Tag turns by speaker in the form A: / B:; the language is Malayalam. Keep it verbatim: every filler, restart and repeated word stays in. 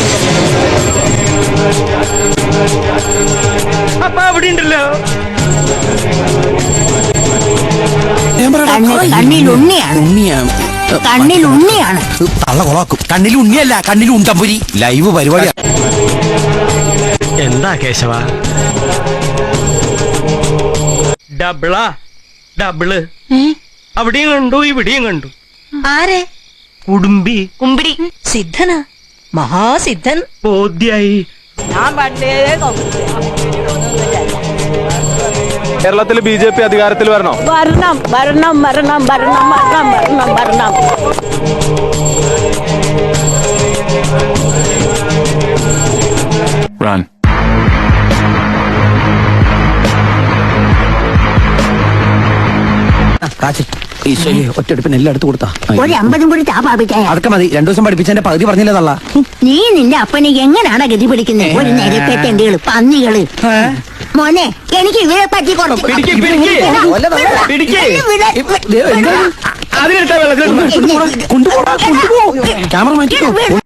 A: അപ്പൊ അവിടെ ഉണ്ടല്ലോ
B: കണ്ണിൽ ഉണ്ണിയാണ്
C: ഉണ്ണിയാണ്
B: കണ്ണിൽ ഉണ്ണിയാണ്
C: തള്ള കൊളാക്കും. കണ്ണിൽ ഉണ്ണിയല്ല, കണ്ണിൽ ഉണ്ടമ്പുരി. ലൈവ് പരിപാടി.
A: എന്താ കേശവ? ഡബിളാ ഡബിള്. അവിടെയും കണ്ടു ഇവിടെയും കണ്ടു.
B: ആരെ?
A: കുടുംബി
B: കുമ്പിടി സിദ്ധനാ, മഹാസിദ്ധൻ.
A: ബോധ്യായി.
B: ഞാൻ പണ്ടേ
D: കേരളത്തിൽ ബി ജെ പി അധികാരത്തിൽ വരണോ?
B: വരണം വരണം വരണം വരണം വരണം വരണം വരണം.
D: Run.
C: ഒറ്റടുപ്പിന് എല്ലാം എടുത്തു കൊടുത്താ
B: ഒരു അമ്പതും കൂടി താ പാപിച്ചേ.
C: അതൊക്കെ മതി. രണ്ടു ദിവസം പഠിപ്പിച്ചതിന്റെ പകുതി പറഞ്ഞില്ലേ തള്ള.
B: നീ നിന്റെ അപ്പനെ എങ്ങനാണ് ഗതി പിടിക്കുന്നത്? ഒരു നിരപ്പെട്ടെണ്ടികള് പന്നികള്. മോനെ എനിക്ക് ഇവരെ പറ്റി
C: ക്യാമറ മാറ്റി